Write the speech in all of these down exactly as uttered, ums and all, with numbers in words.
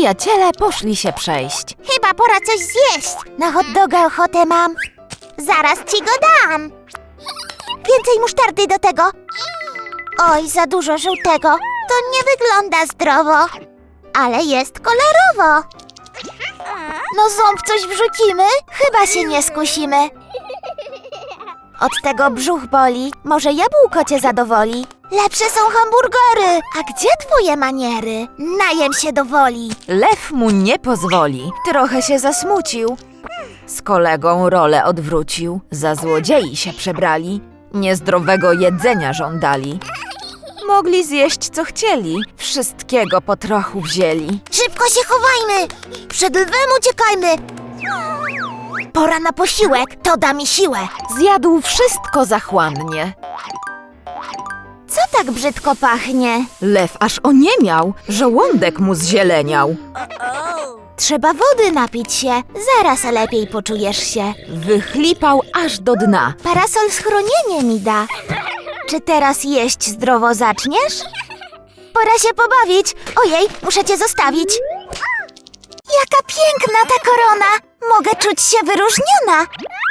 Przyjaciele poszli się przejść. Chyba pora coś zjeść. Na hot doga ochotę mam. Zaraz ci go dam. Więcej musztardy do tego. Oj, za dużo żółtego. To nie wygląda zdrowo. Ale jest kolorowo. No ząb coś wrzucimy? Chyba się nie skusimy. Od tego brzuch boli. Może jabłko cię zadowoli. Lepsze są hamburgery. A gdzie twoje maniery? Najem się do woli. Lew mu nie pozwoli. Trochę się zasmucił. Z kolegą rolę odwrócił. Za złodziei się przebrali. Niezdrowego jedzenia żądali. Mogli zjeść co chcieli. Wszystkiego po trochu wzięli. Szybko się chowajmy. Przed lwem uciekajmy. Pora na posiłek. To da mi siłę. Zjadł wszystko zachłannie. Co tak brzydko pachnie? Lew aż oniemiał. Żołądek mu zzieleniał. Trzeba wody napić się. Zaraz lepiej poczujesz się. Wychlipał aż do dna. Parasol schronienie mi da. Czy teraz jeść zdrowo zaczniesz? Pora się pobawić. Ojej, muszę cię zostawić. Jaka piękna ta korona. Mogę czuć się wyróżniona.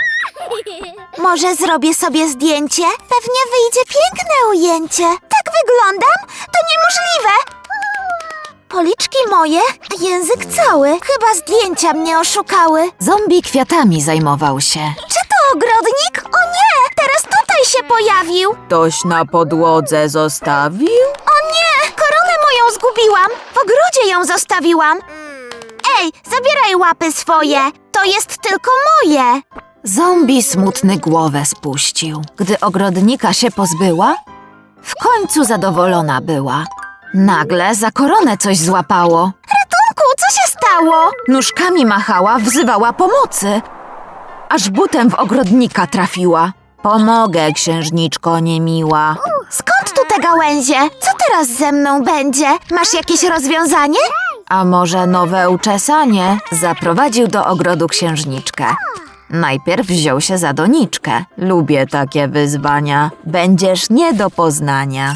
Może zrobię sobie zdjęcie? Pewnie wyjdzie piękne ujęcie. Tak wyglądam? To niemożliwe. Policzki moje, a język cały. Chyba zdjęcia mnie oszukały. Zombie kwiatami zajmował się. Czy to ogrodnik? O nie! Teraz tutaj się pojawił. Ktoś na podłodze zostawił? O nie! Koronę moją zgubiłam. W ogrodzie ją zostawiłam. Ej, zabieraj łapy swoje. To jest tylko moje. Zombie smutny głowę spuścił. Gdy ogrodnika się pozbyła, w końcu zadowolona była. Nagle za koronę coś złapało. Ratunku, co się stało? Nóżkami machała, wzywała pomocy. Aż butem w ogrodnika trafiła. Pomogę, księżniczko niemiła. Skąd tu te gałęzie? Co teraz ze mną będzie? Masz jakieś rozwiązanie? A może nowe uczesanie? Zaprowadził do ogrodu księżniczkę. Najpierw wziął się za doniczkę. Lubię takie wyzwania. Będziesz nie do poznania.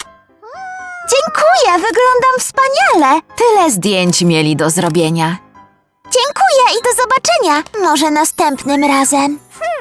Dziękuję, wyglądam wspaniale. Tyle zdjęć mieli do zrobienia. Dziękuję i do zobaczenia. Może następnym razem.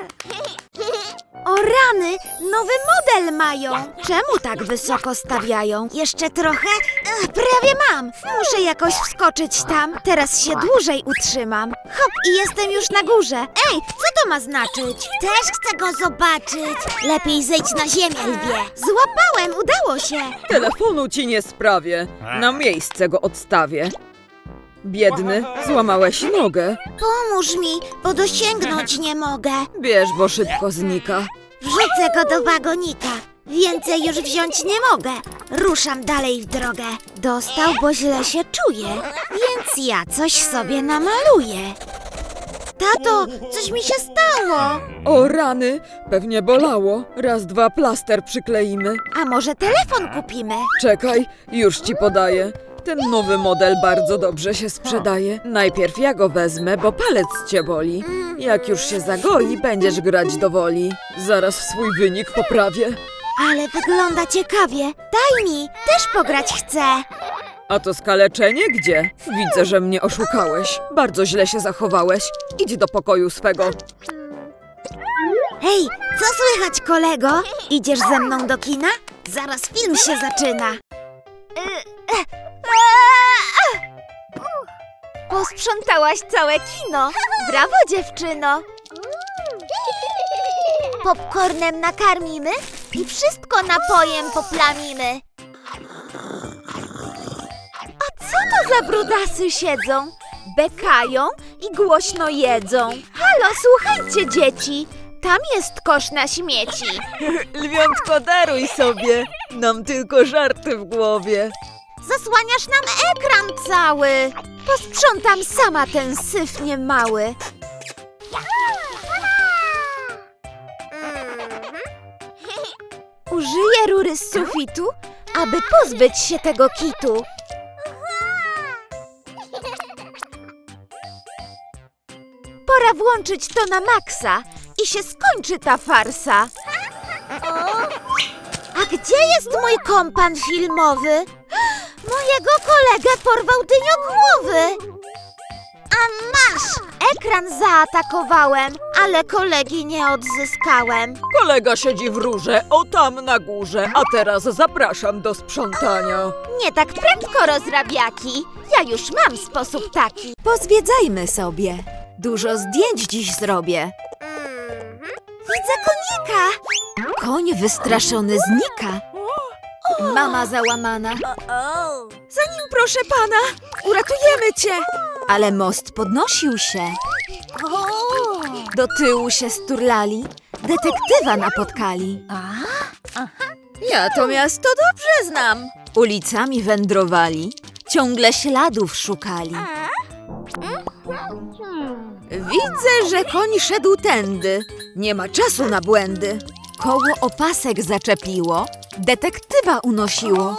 O rany, nowy model mają. Czemu tak wysoko stawiają? Jeszcze trochę? Ech, prawie mam. Muszę jakoś wskoczyć tam. Teraz się dłużej utrzymam. Hop, i jestem już na górze. Ej, co to ma znaczyć? Też chcę go zobaczyć. Lepiej zejdź na ziemię, lwie. Złapałem, udało się. Telefonu ci nie sprawię. Na miejsce go odstawię. Biedny, złamałeś nogę. Pomóż mi, bo dosięgnąć nie mogę. Bierz, bo szybko znika. Wrzucę go do wagonika. Więcej już wziąć nie mogę. Ruszam dalej w drogę. Dostał, bo źle się czuję. Więc ja coś sobie namaluję. Tato, coś mi się stało. O rany, pewnie bolało. Raz, dwa, plaster przykleimy. A może telefon kupimy? Czekaj, już ci podaję. Ten nowy model bardzo dobrze się sprzedaje. Najpierw ja go wezmę, bo palec cię boli. Jak już się zagoi, będziesz grać do woli. Zaraz swój wynik poprawię. Ale wygląda ciekawie. Daj mi, też pograć chcę. A to skaleczenie gdzie? Widzę, że mnie oszukałeś. Bardzo źle się zachowałeś. Idź do pokoju swego. Hej, co słychać, kolego? Idziesz ze mną do kina? Zaraz film się zaczyna. Posprzątałaś całe kino. Brawo, dziewczyno. Popcornem nakarmimy i wszystko napojem poplamimy. A co to za brudasy siedzą? Bekają i głośno jedzą. Halo, słuchajcie, dzieci. Tam jest kosz na śmieci. Lwiątko, daruj sobie. Nam tylko żarty w głowie. Zasłaniasz nam ekran cały. Posprzątam sama ten syf niemały. Użyję rury z sufitu, aby pozbyć się tego kitu. Pora włączyć to na maksa i się skończy ta farsa. A gdzie jest mój kompan filmowy? Moja Mojego kolegę porwał dyniogłowy. A masz! Ekran zaatakowałem, ale kolegi nie odzyskałem. Kolega siedzi w rurze, o tam na górze, a teraz zapraszam do sprzątania. Nie tak prędko, rozrabiaki. Ja już mam sposób taki. Pozwiedzajmy sobie. Dużo zdjęć dziś zrobię. Widzę konika. Koń wystraszony znika. Mama załamana. Za nim, proszę pana. Uratujemy cię. Ale most podnosił się. Do tyłu się sturlali. Detektywa napotkali. Ja to miasto dobrze znam. Ulicami wędrowali. Ciągle śladów szukali. Widzę, że koń szedł tędy. Nie ma czasu na błędy. Koło opasek zaczepiło. Detektywa unosiło.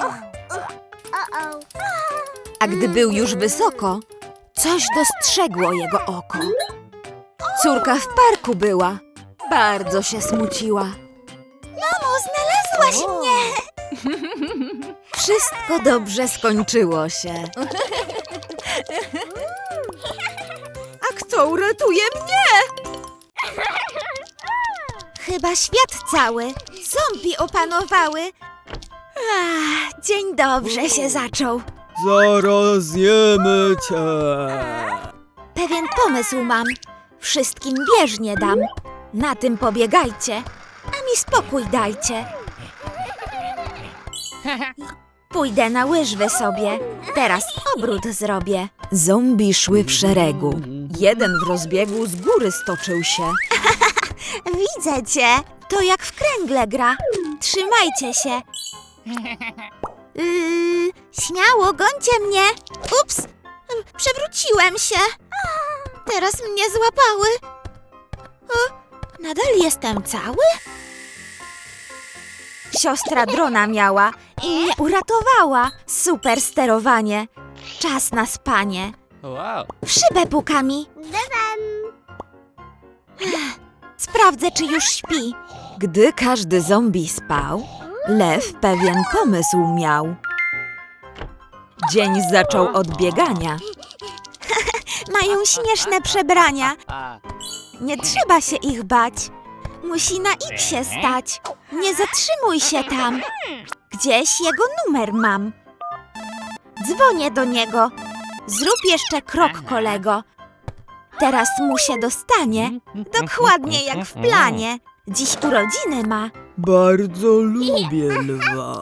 A gdy był już wysoko, coś dostrzegło jego oko. Córka w parku była. Bardzo się smuciła. Mamo, znalazłaś mnie. Wszystko dobrze skończyło się. A kto uratuje mnie? Chyba świat cały. Zombie opanowały. Ach, dzień dobrze się zaczął. Zaraz zjemy cię. Pewien pomysł mam. Wszystkim bieżnie dam. Na tym pobiegajcie, a mi spokój dajcie. Pójdę na łyżwy sobie. Teraz obrót zrobię. Zombie szły w szeregu. Jeden w rozbiegu z góry stoczył się. Widzę cię. To jak w kręgle gra. Trzymajcie się. Yy, śmiało, gońcie mnie. Ups, przewróciłem się. Teraz mnie złapały. O, nadal jestem cały? Siostra drona miała i mnie uratowała. Super sterowanie. Czas na spanie. Wow. W szybę puka mi. Ech, Sprawdzę, czy już śpi. Gdy każdy zombie spał, lew pewien pomysł miał. Dzień zaczął od biegania. Mają śmieszne przebrania. Nie trzeba się ich bać. Musi na X-ie stać. Nie zatrzymuj się tam. Gdzieś jego numer mam. Dzwonię do niego. Zrób jeszcze krok, kolego. Teraz mu się dostanie. Dokładnie jak w planie. Dziś urodziny ma. Bardzo lubię lwa.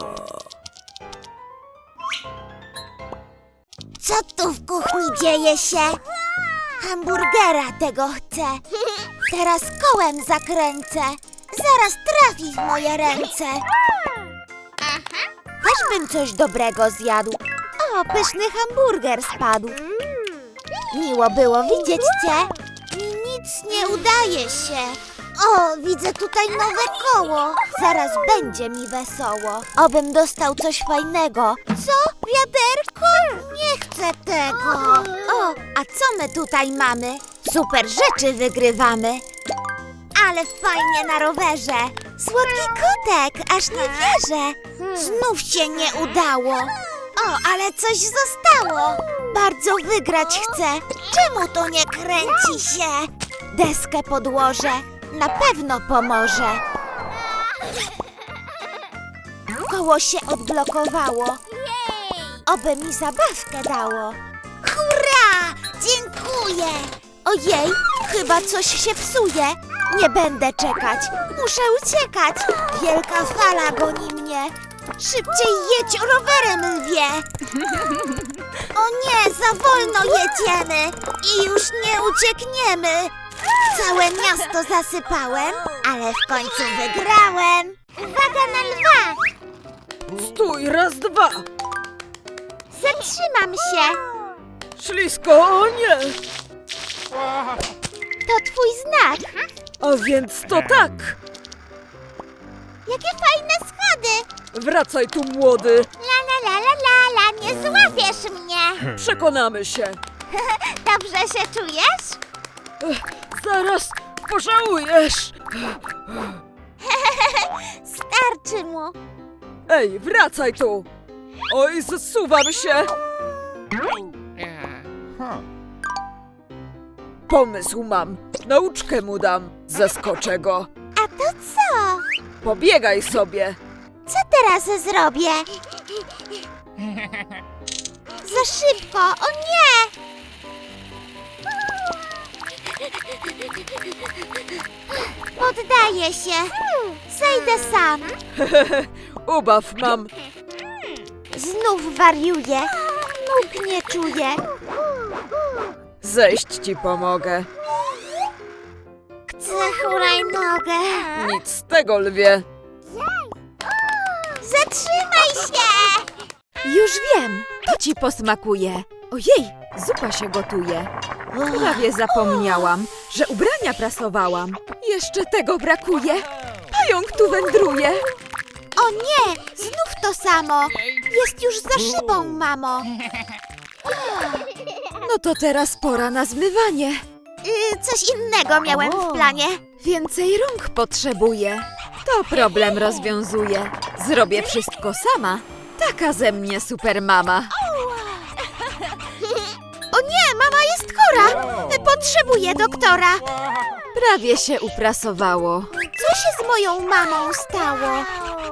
Co tu w kuchni dzieje się? Hamburgera tego chcę. Teraz kołem zakręcę. Zaraz trafi w moje ręce. Też bym coś dobrego zjadł. O, pyszny hamburger spadł. Miło było widzieć cię. Mi nic nie udaje się. O, widzę tutaj nowe koło. Zaraz będzie mi wesoło. Obym dostał coś fajnego. Co? Wiaderko? Nie chcę tego. O, a co my tutaj mamy? Super rzeczy wygrywamy. Ale fajnie na rowerze. Słodki kotek, aż nie wierzę. Znów się nie udało. O, ale coś zostało. Bardzo wygrać chcę. Czemu to nie kręci się? Deskę podłożę. Na pewno pomoże. Koło się odblokowało. Oby mi zabawkę dało. Hurra! Dziękuję! Ojej, chyba coś się psuje. Nie będę czekać. Muszę uciekać. Wielka fala goni mnie. Szybciej jedź rowerem, lwie. O nie, za wolno jedziemy. I już nie uciekniemy. Całe miasto zasypałem, ale w końcu wygrałem. Uwaga na lwa! Stój, raz, dwa. Zatrzymam się. Ślisko, o nie. To twój znak. A więc to tak. Jakie fajne schody. Wracaj tu, młody. La la la la la la, nie złapiesz mnie. Przekonamy się. Dobrze się czujesz? Zaraz pożałujesz. Starczy mu. Ej, wracaj tu. Oj, zsuwam się! Pomysł mam. Nauczkę mu dam. Zaskoczę go. A to co? Pobiegaj sobie. Co teraz zrobię? Za szybko, o nie! Poddaję się. Zejdę sam. Ubaw mam. Znów wariuję. Nóg nie czuję. Zejść ci pomogę. Chcę hulajnogę. Nic z tego, lwie. Zatrzymaj się! Już wiem, to ci posmakuje. Ojej, zupa się gotuje. Prawie zapomniałam, że ubrania prasowałam. Jeszcze tego brakuje. Pająk tu wędruje. O nie! Znów to samo! Jest już za szybą, mamo! No to teraz pora na zmywanie. Yy, coś innego miałem w planie. Więcej rąk potrzebuję. To problem rozwiązuję. Zrobię wszystko sama. Taka ze mnie super mama. O nie, mama jest chora! Potrzebuję doktora! Prawie się uprasowało. Co się z moją mamą stało?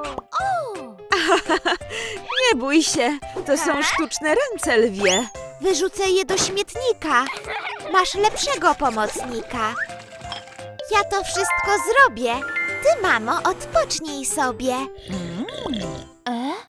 Nie bój się, to są sztuczne ręce, lwie. Wyrzucę je do śmietnika. Masz lepszego pomocnika. Ja to wszystko zrobię. Ty, mamo, odpocznij sobie.